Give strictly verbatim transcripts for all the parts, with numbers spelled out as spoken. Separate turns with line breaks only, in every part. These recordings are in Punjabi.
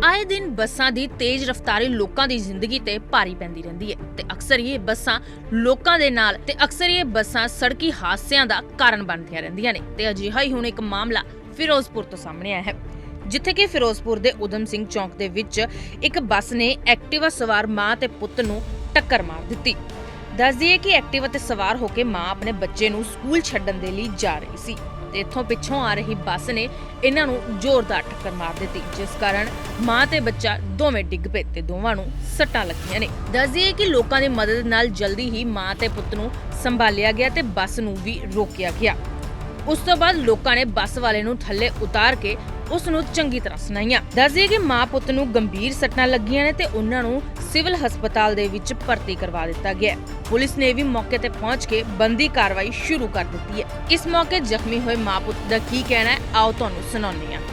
आए दिन ਬੱਸਾਂ ਦੀ ਤੇਜ਼ ਰਫ਼ਤਾਰੀ ਲੋਕਾਂ ਦੀ ਜ਼ਿੰਦਗੀ ਤੇ ਭਾਰੀ ਪੈਂਦੀ ਰਹਿੰਦੀ ਹੈ ਤੇ ਅਕਸਰ ਇਹ ਬੱਸਾਂ ਲੋਕਾਂ ਦੇ ਨਾਲ ਤੇ ਅਕਸਰ ਇਹ ਬੱਸਾਂ ਸੜਕੀ ਹਾਦਸਿਆਂ ਦਾ ਕਾਰਨ ਬਣਦੀਆਂ ਰਹਿੰਦੀਆਂ ਨੇ ਤੇ ਅਜਿਹਾ ਹੀ ਹੁਣ ਇੱਕ ਮਾਮਲਾ ਫਿਰੋਜ਼ਪੁਰ ਤੋਂ ਸਾਹਮਣੇ ਆਇਆ ਹੈ, ਜਿੱਥੇ ਕਿ ਫਿਰੋਜ਼ਪੁਰ ਦੇ ਉਦਮ ਸਿੰਘ ਚੌਂਕ ਦੇ ਵਿੱਚ ਇੱਕ ਬੱਸ ਨੇ ਐਕਟਿਵਾ ਸਵਾਰ ਮਾਂ ਤੇ ਪੁੱਤ ਨੂੰ ਟੱਕਰ ਮਾਰ ਦਿੱਤੀ। ਦੱਸ ਦਈਏ ਕਿ ਐਕਟਿਵਾ ਤੇ ਸਵਾਰ ਹੋ ਕੇ ਮਾਂ ਆਪਣੇ ਬੱਚੇ ਨੂੰ ਸਕੂਲ ਛੱਡਣ ਦੇ ਲਈ ਜਾ ਰਹੀ ਸੀ ਤੇ ਇੱਥੋਂ ਪਿੱਛੋਂ ਆ ਰਹੀ ਬੱਸ ਨੇ ਇਹਨਾਂ ਨੂੰ ਜ਼ੋਰਦਾਰ ਟੱਕਰ ਮਾਰ ਦਿੱਤੀ, ਜਿਸ ਕਾਰਨ ਮਾਂ ਤੇ ਬੱਚਾ ਦੋਵੇਂ ਡਿੱਗ ਪਏ ਤੇ ਦੋਵਾਂ ਨੂੰ ਸੱਟਾਂ ਲੱਗੀਆਂ ਨੇ। ਦੱਸ ਦਈਏ ਕਿ ਲੋਕਾਂ ਦੀ ਮਦਦ ਨਾਲ ਜਲਦੀ ਹੀ ਮਾਂ ਤੇ ਪੁੱਤ ਨੂੰ ਸੰਭਾਲਿਆ ਗਿਆ ਤੇ ਬੱਸ ਨੂੰ ਵੀ ਰੋਕਿਆ ਗਿਆ। ਉਸ ਤੋਂ ਬਾਅਦ ਲੋਕਾਂ ਨੇ ਬੱਸ ਵਾਲੇ ਨੂੰ ਥੱਲੇ ਉਤਾਰ ਕੇ ਉਸ ਨੂੰ ਚੰਗੀ ਤਰ੍ਹਾਂ ਸੁਣਾਈਆਂ। ਦੱਸ ਦਈਏ ਕਿ ਮਾਂ ਪੁੱਤ ਨੂੰ ਗੰਭੀਰ ਸੱਟਾਂ ਲੱਗੀਆਂ ਨੇ ਤੇ ਉਹਨਾਂ ਨੂੰ ਸਿਵਲ ਹਸਪਤਾਲ ਦੇ ਵਿੱਚ ਭਰਤੀ ਕਰਵਾ ਦਿੱਤਾ ਗਿਆ। ਪੁਲਿਸ ਨੇ ਵੀ ਮੌਕੇ ਤੇ ਪਹੁੰਚ ਕੇ ਬੰਦੀ ਕਾਰਵਾਈ ਸ਼ੁਰੂ ਕਰ ਦਿੱਤੀ ਹੈ। ਇਸ ਮੌਕੇ ਜ਼ਖਮੀ ਹੋਏ ਮਾਂ ਪੁੱਤ ਦਾ ਕੀ ਕਹਿਣਾ ਹੈ, ਆਓ ਤੁਹਾਨੂੰ ਸੁਣਾਉਂਦੇ ਹਾਂ।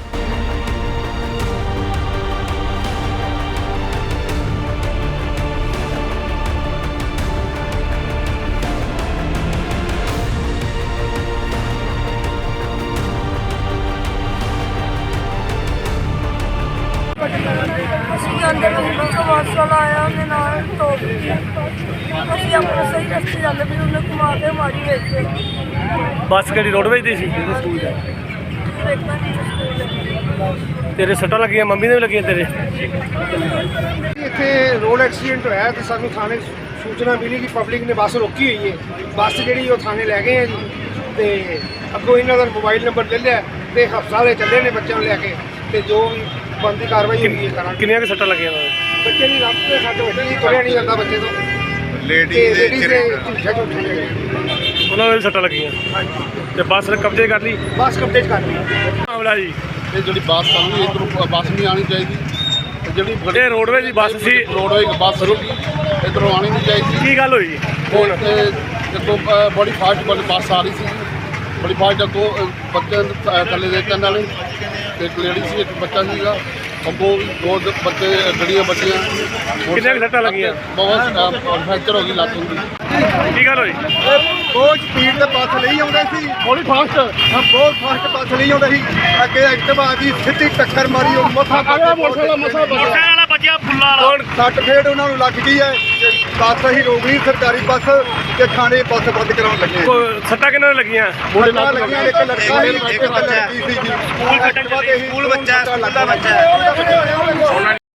ਅਸੀਂ ਜਾਂਦੇ ਪਏ ਤਾਂ ਬੱਸ ਵਾਲਾ ਆਇਆ, ਉਹਨੇ ਨਾਲ ਟੋਕ ਦਿੱਤੀ। ਅਸੀਂ ਆਪਣੇ ਸਹੀ ਰਸਤੇ ਜਾਂਦੇ ਪਏ, ਉਹਨੇ ਘੁਮਾ ਕੇ ਮਾਰੀ ਵਿੱਚ।
ਬੱਸ ਕਿਹੜੀ ਰੋਡਵੇਜ ਦੀ ਸੀ?
ਵੇਖਣਾ ਨਹੀਂ ਸਕੂਲ
ਤੇਰੇ ਸੱਟਾਂ ਲੱਗੀਆਂ, ਮੰਮੀ ਦੇ ਵੀ ਲੱਗੀਆਂ ਤੇਰੇ?
ਇੱਥੇ ਰੋਡ ਐਕਸੀਡੈਂਟ ਹੋਇਆ ਤੇ ਸਾਨੂੰ ਥਾਣੇ ਸੂਚਨਾ ਮਿਲੀ ਕਿ ਪਬਲਿਕ ਨੇ ਬੱਸ ਰੋਕੀ ਹੋਈ ਹੈ। ਬੱਸ ਜਿਹੜੀ ਉਹ ਥਾਣੇ ਲੈ ਗਏ ਆ ਜੀ ਤੇ ਅੱਗੋਂ ਇਹਨਾਂ ਦਾ ਮੋਬਾਈਲ ਨੰਬਰ ਲੈ ਲਿਆ ਤੇ ਹਸਪਤਾਲੇ ਚੱਲੇ ਨੇ ਬੱਚਿਆਂ ਨੂੰ ਲੈ ਕੇ ਤੇ ਜੋ ਵੀ ਬੰਦੀ ਕਾਰਵਾਈ ਹੋਈ ਹੈ ਕਰਾਂਗੇ।
ਕਿੰਨੀਆਂ ਕੁ ਸੱਟਾਂ ਲੱਗੀਆਂ ਉਹਨਾਂ
ਬੱਚੇ ਦੀ ਲੱਤ ਤੇ ਸੱਟ ਵੱਜੀ, ਤੁਰਿਆ ਨਹੀਂ ਜਾਂਦਾ ਬੱਚੇ ਤੋਂ।
ਲੇਡੀ
ਤੇ
ਦੇ
ਲੇਡੀਜ਼ ਦੇ
ਚਿਹਰੇ
ਝੂਠੇ ਝੂਠੇ ਨੇ।
ਦੇ? ਉਹਨਾਂ ਦੇ ਵੀ ਸੱਟਾਂ ਲੱਗੀਆਂ
ਹਾਂਜੀ,
ਤੇ ਬੱਸ ਨੇ ਕਬਜ਼ੇ ਕਰ ਲਈ।
ਬੱਸ ਕਬਜ਼ੇ 'ਚ ਕਰ ਲਈ।
ਮਾਮਲਾ ਜੀ,
ਇਹ ਜਿਹੜੀ ਬੱਸ ਆਉਂਦੀ ਇੱਧਰੋਂ ਬੱਸ ਨਹੀਂ ਆਉਣੀ ਚਾਹੀਦੀ ਤੇ ਜਿਹੜੀ
ਇਹ ਰੋਡਵੇਜ ਦੀ ਬੱਸ ਸੀ।
ਰੋਡਵੇਜ ਬੱਸ ਰੁਕੀ ਇੱਧਰੋਂ ਆਉਣੀ ਨਹੀਂ ਚਾਹੀਦੀ।
ਕੀ ਗੱਲ ਹੋਈ ਹੁਣ?
ਤੇ ਜਦੋਂ ਅ, ਬੜੀ ਫਾਸਟ ਵਾਲੀ ਬੱਸ ਆ ਰਹੀ ਸੀ, ਬੜੀ ਫਾਸਟ ਅੱਗੋਂ ਅ, ਬੱਚੇ ਅ, ਥੱਲੇ ਦੇ ਕੰਨ ਵਾਲੇ ਤੇ ਇੱਕ ਲੇਡੀ ਸੀ, ਇੱਕ ਬੱਚਾ ਸੀਗਾ ਅੱਗੋਂ ਦੋ ਦ- ਬੱਚੇ ਗੱਡੀਆਂ ਬੱਚੀਆਂ।
ਕਿੰਨੀਆਂ ਕੁ ਸੱਟਾਂ ਲੱਗੀਆਂ?
ਬਹੁਤ ਫ੍ਰੈਕਚਰ ਹੋ ਗਈ ਲੱਤ ਹੁੰਦੀ।
ਕੀ ਗੱਲ ਹੋਈ?
ਬਹੁਤ ਸਪੀਡ ਤੇ ਬੱਸ ਲਈ ਆਉਂਦੇ ਸੀ,
ਬੜੀ ਫਾਸਟ
ਹਾਂ ਬਹੁਤ ਫਾਸਟ ਬੱਸ ਲਈ ਆਉਂਦੇ ਸੀ। ਅੱਗੇ ਐਕਟਿਵਾ ਦੀ ਸਿੱਧੀ ਟੱਕਰ ਮਾਰੀ, ਉਹ ਮੱਥਾ
ਵਾਲਾ ਬੱਜਿਆ ਫੁੱਲਾ ਵਾਲਾ।
ਸੱਟ ਫੇਟ ਉਹਨਾਂ ਨੂੰ ਲੱਗ ਗਈ ਹੈ। ਤੇ ਬੱਸ ਹੀ ਰੋਕ ਲਈ ਸਰਕਾਰੀ ਬੱਸ ਤੇ ਥਾਣੇ ਬੱਸ ਬੰਦ ਕਰਾਉਣ ਲੱਗੇ।
ਕੋਈ ਸੱਟਾਂ ਕਿੰਨਾਂ ਨੂੰ ਲੱਗੀਆਂ?
ਸੱਟਾਂ ਲੱਗੀਆਂ, ਇੱਕ ਲੜਕਾ ਸੀ, ਇੱਕ ਲੜਕੀ ਸੀ ਜੀ।
ਸਕੂਲ ਛੱਡਣ ਚੱਲੇ,
ਸਕੂਲ ਬੱਚਾ, ਸਕੂਲ ਦਾ ਬੱਚਾ।